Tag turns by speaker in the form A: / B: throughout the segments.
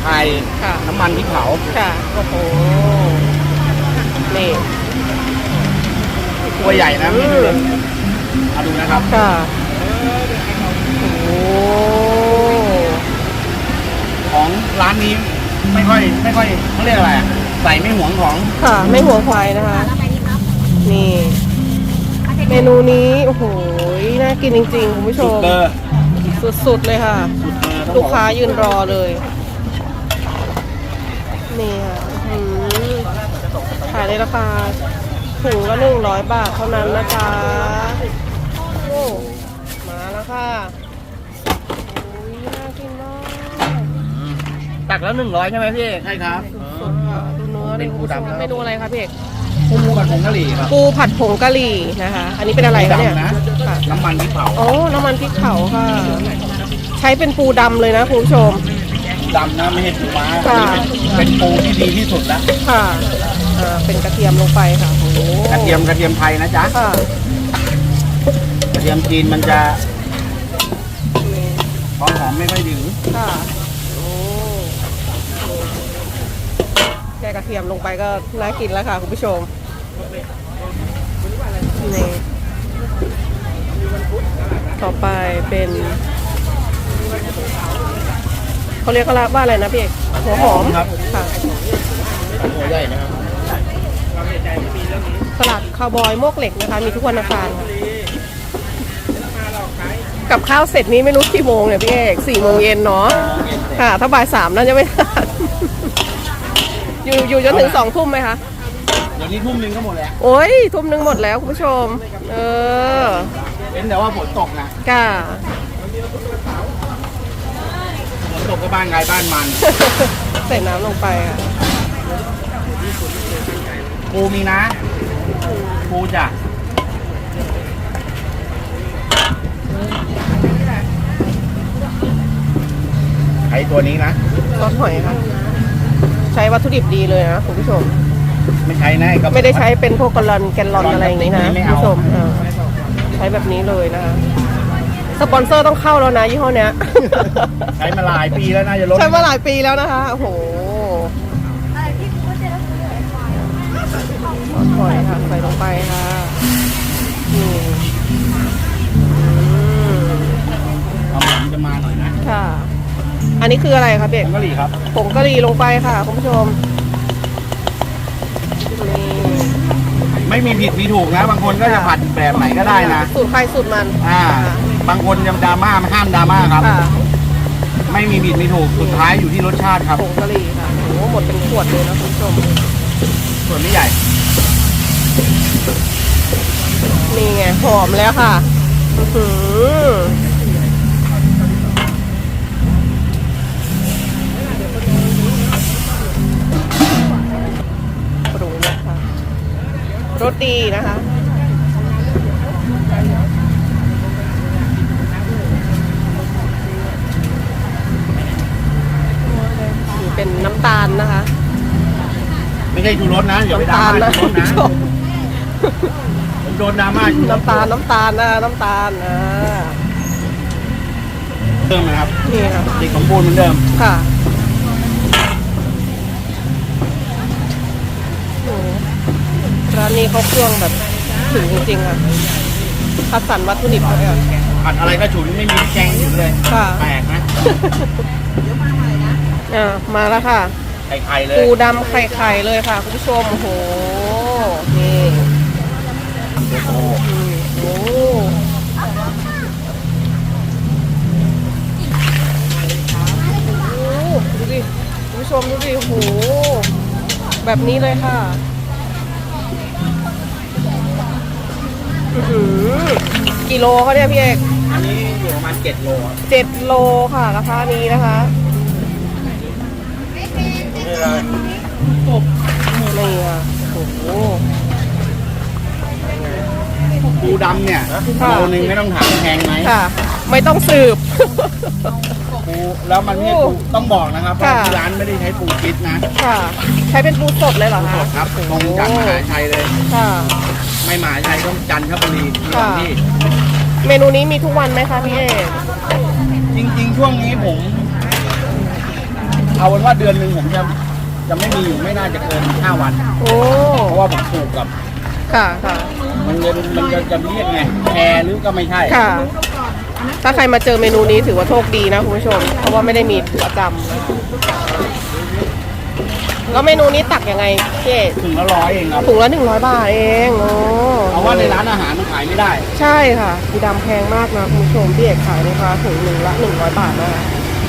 A: ไทยน้ำมันพริกเผา
B: ค่ะโอ้โหนี่
A: ตัวใหญ่นะพี่ดูเอาดูนะครับ
B: ค่ะโอ้
A: ของร้านนี้ไม่ค่อยเขาเรียกอะไรใส่ไม่หวงของ
B: ค่ะไม่หัวควายนะคะนี่เมนูนี้โอ้โหน่ากินจริงๆคุณผู้ชมสุดๆเลยค่ะลูกค้ายืนรอเลยนี่ค่ะขายในราคาถุงละ100 บาทเท่านั้นนะคะโอ้มาแล้วค่ะโอ้ยน่ากินมาก
A: ตักแล้ว100ใช่ไหมพี่ใช่ครับ
B: สดๆค่ะดูเนื้อเลยคุณผู้ชมเมนูอะไรคะพี่เอก
A: ปูผัดผงกะหรี่ครับ
B: ปูผัดผงกะหรี่นะคะอันนี้เป็นอะไรคะเนี่ย
A: น้ำมันพริกเผา
B: โอ้น้ำมันพริกเผาค่ะใช้เป็นปูดำเลยนะคุณผู้ชม
A: ดำนะไม่ใช่ปูม้าเป็นปูที่ดีที่สุดแล้ว
B: ค่ะเป็นกระเทียมลงไปค่ะโอ้
A: กระเทียมไทยนะจ๊ะ
B: ค่ะ
A: กระเทียมจีนมันจะหอมไม่ค่อยถึง
B: ค่ะโอ้แค่กระเทียมลงไปก็น่ากินแล้วค่ะคุณผู้ชมนี่ต่อไปเป็นเขาเรียกว่าอะไรนะพี่เอกหัวหอม
A: ครับ
B: ค่ะ
A: หัวใหญ่นะครับ
B: ตลาดคาวบอยโมกเหล็กนะคะมีทุกวันอังคารกับข้าวเสร็จนี้ไม่รู้กี่โมงเนี่ยพี่เอก4 โมงเย็นเนาะค่ะถ้าบ่าย 3น่าจะไม่ทันอยู่จนถึง2 ทุ่มไหมคะ
A: เดี๋ยวนี้ทุ่มนึงก็หมดแล้ว
B: โอ้ยทุ่มนึงหมดแล้วคุณผู้ชม
A: เป็นแต่ว่าฝนตกนะ
B: ค่ะ
A: ฝนตกก็บ้านใครบ้านมัน
B: ใส่น้ำลงไปค่ะ
A: ปูมีนะปูจ้ะไอตัวนี้นะ
B: ซอสหอยค่ะใช้วัตถุดิบดีเลยนะคุณผู้ชม
A: ไม่ใช้นะ
B: ไม่ได้ใช้เป็นพวกแกลลอนอะไรอย่างนี้นะคุณผู้ชมใช้แบบนี้เลยนะคะสปอนเซอร์ต้องเข้าแล้วนะยี่ห้อเนี้ย
A: ใช้มาหลายปีแล้วน่าจะลด
B: ใช้มาหลายปีแล้วนะคะโอ้โหซอสหอยค่ะใส่ลงไปค่ะ
A: ความหอมจะมาหน่อยนะ
B: ค่ะอันนี้คืออะไรคะเบก
A: ผงกะหรี่ครับ
B: ผงกะหรี่ลงไปค่ะคุณผู้ชม
A: ไม่มีผิดมีถูกนะบางคนก็จะผัดแบบไหนก็ได้นะ
B: สูตรใครสูตรมัน
A: บางคนยังดราม่าห้ามดราม่าครับไม่มีผิดมีถูกสุดท้ายอยู่ที่รสชาติครับ
B: ผงกะหรี่ค่ะโอ้หมดเป็นขวดเลยนะคุณผู้ชม
A: ส่วนไม่ใหญ่
B: นี่ไงหอมแล้วค่ะปรุงนะคะรสดีนะคะเป็นน้ำตาลนะคะ
A: ไม่ใช่ชูรสนะอย่าไปด่านะผมโดนดราม่าชู
B: น้ำตาลนะน้ำตาล
A: เดิมนะครับ
B: นี่ค่ะ
A: ติดของปูนเหมือนเดิม
B: ค่ะร้านนี้เขาเครื่องแบบถึงจริงๆค่ะคัดสรรวัตถุดิบเลยค่ะ
A: ผัดอะไรก็ฉุนไม่มีแกงอยู่เลยแปลกนะ
B: มาแล้วค่ะ
A: ไข่เลย
B: ปูดำไข่เลยค่ะคุณผู้ชมโอ้โหนี่โอ้โหดูดิคุณผู้ชมดูดิโอ้โหแบบนี้เลยค่ะกี่โลเขาเนี่ยพี่เอก
A: อันนี้อยู่ประมาณ7 โล
B: 7 โลค่ะราคานี้นะคะนี่อ่ะโอ้โห
A: ปูดำเนี่ยโลนึงไม่ต้องถามแพงไหม
B: ค่ะไม่ต้องสืบ
A: ปูแล้วมันไม่ต้องบอกนะครับว่าที่ร้านไม่ได้ใช้ปูคิดนะ
B: ค่ะใช้เป็นปูสดเลยเหรอคะ
A: ครับตรงจากมหาชัยเลย
B: ค่ะ
A: ไม่มหาชัยก็จันทบุรีที่
B: เมนูนี้มีทุกวันไหมคะพี่เอก
A: จริงๆช่วงนี้ผมเอาเป็นว่าเดือนหนึ่งผมจะไม่มีไม่น่าจะเกิน5 วัน
B: โอ้
A: เพราะว่าผมปลูกกับ
B: ค่ะค่ะ
A: มันจะเรียกไงแพรหรือก็ไม่ใช่
B: ค่ะ ถ้าใครมาเจอเมนูนี้ถือว่าโชคดีนะคุณผู้ชม เพราะว่าไม่ได้มีประจำนะแล้วเมนูนี้ตักยังไงพี่เอก
A: ถึงละ100เองครับ
B: ถุงละ100 บาทเองโอ้
A: เพราะว่าในร้านอาหารมันขายไม่ได้
B: ใช่ค่ะสีดำแพงมากนะคุณผู้ชมพี่เอกขายนะคะถุงหนึ่งละ100 บาทนะคะ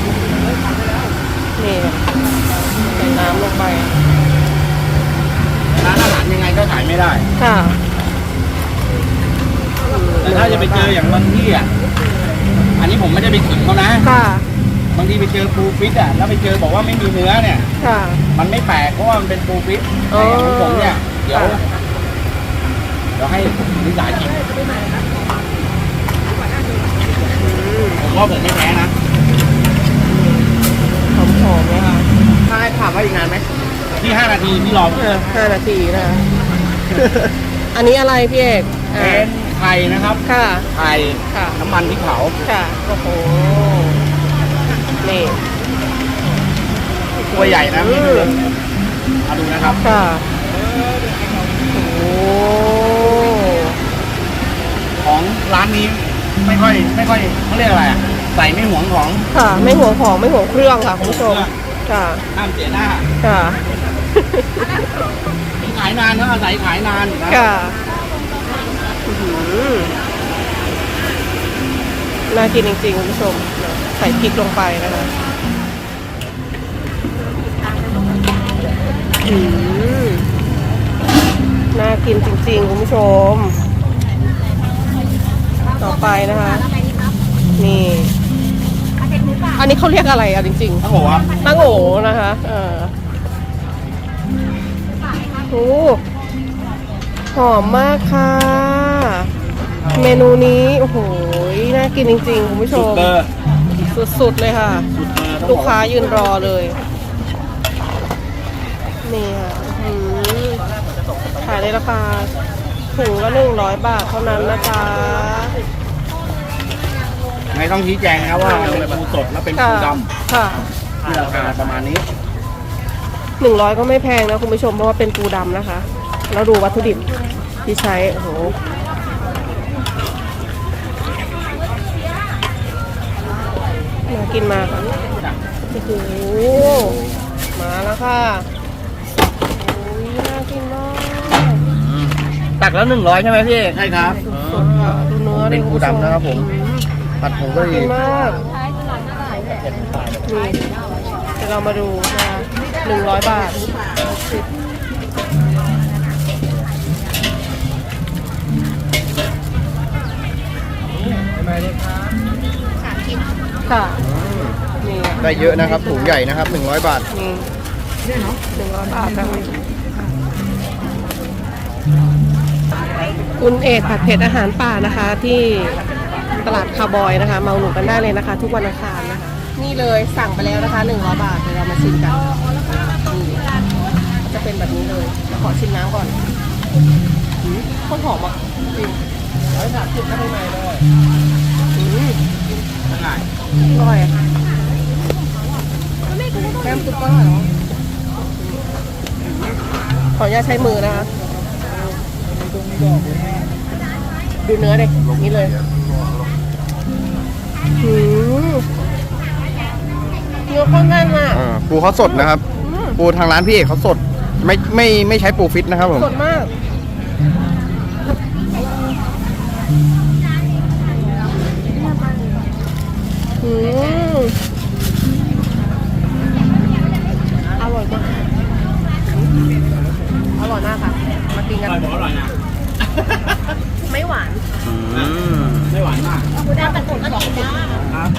B: นี่ใส่น้ำลงไป
A: ร้านอาหารยังไงก็ขายไม่ได้
B: ค่ะ
A: แต่ถ้าจะไปเจออย่างบางที่อ่ะอันนี้ผมไม่ได้ไปขิงเขานะ
B: ค่ะ
A: บางทีไปเจอปูฟิตอ่ะแล้วไปเจอบอกว่าไม่มีเนื้อเนี่ย
B: ค่ะ
A: มันไม่แปลกเพราะว่ามันเป็นปูฟิต
B: อ๋อ
A: แต่ของผมเนี่ยเดี๋ยว
B: ค่ะ
A: ให้นิสากิน
B: อืม
A: ผมว่าผมไม่แพ้นะ
B: หอมๆเลยค่ะ
A: ถ้าให้ถามว่าอีกนานไหมที่5 นาทีที่รอ
B: 5 นาทีนะคะ อันนี้อะไรพี่เอก
A: เป็นไข่นะครับ
B: ค่ะ
A: ไข่
B: ค่ะ
A: น้ำมันพริกเผา
B: ค่ะ โอ้โห นี่
A: ตัวใหญ่นะนี่ดูเลยเอาดูนะครับ
B: ค่ะ โอ้โห
A: ของร้านนี้ไม่ค่อยเขาเรียกอะไรอ่ะใส่ไม่หวงของ
B: ค่ะ ไม่ห่วงของไม่ห่วงเครื่องค่ะคุณผู้ชม ค่ะ
A: ห้ามเสียหน้า
B: ค่ะ
A: ขายนานเขาอาศัยขายนานนะ
B: ค่ะอื้อหือน่ากินจริงๆคุณผู้ชม ใส่พริกลงไปนะคะน่ากินจริงๆคุณผู้ชม ต่อไปนะคะ นี่ อันนี้เขาเรียกอะไรอ่ะจริง
A: ทั้งหมดครับ
B: ๆตั้งโอนะคะโอ้หอมมากค่ะ เมนูนี้โอ้โหน่ากินจริงๆคุณผู้ช
A: สุด
B: ม
A: เบอร์
B: สุดๆเลยค่ะ
A: สุดเบอร์ต้อง
B: ลู
A: บ
B: ก
A: อ
B: ค้ายืนรอเลย นี่ค่ะอื้อหือขายในราคาถุงละ100 บาทเท่านั้นนะคะ
A: ไม่ต้องชี้แจงนะครับว่ามันเป็นปูสดแล้วเป็นปูด
B: ค่ะ
A: ำที่ราคาประมาณนี้
B: 100ก็ไม่แพงนะคุณผู้ชมเพราะว่าเป็นปูดำนะคะ แล้วดูวัตถุดิบที่ใช้ โอ้โห น่ากินมากค่ะโอ้โห มาแล้วค่ะโอ้ยน่ากินมาก
A: ตักแล้ว100ใช่ไหมพี่ใช่ครับ
B: สดๆค่ะดูเนื้อ
A: เป็นปูดำนะครับผม ผัดผงกะห
B: ดี
A: รี่
B: มากนี่เดี๋ยวเรามาดูนะคะ100 บาทค่ะ นี่
A: ได้เยอะนะครับถุงใหญ่นะครับ100 บาท
B: นี่100 บาทนะคุณเอกผัดเผ็ดอาหารป่านะคะ ที่ตลาดคาร์บอยนะคะ มาอุดหนุนกันได้เลยนะคะ ทุกวันอังคารนะคะ นี่เลยสั่งไปแล้วนะคะ100 บาทเดี๋ยวเรามาชิมกันนี่จะเป็นแบบนี้เลยขอชิมน้ำก่อนโคตรหอมอ่ะจริง130ข้างในเลยอร่อยอะแก้มซุปก็อร่อยเนาะขออนุญาตใช้มือนะคะดูเนื้อเลยนี่เลยเนื้อข้นแน่นมาก
C: ปูเขาสดนะครับ ปูทางร้านพี่เอกเขาสด ไม่ใช้ปูฟิตนะครับผม
B: สดมากอร่อยมากอร่อยมากค่ะมากินกัน
A: อร่อยนะ
B: ไม่หวาน
A: ไม่หวานมาก
B: ได้แต่ผลก็กินได้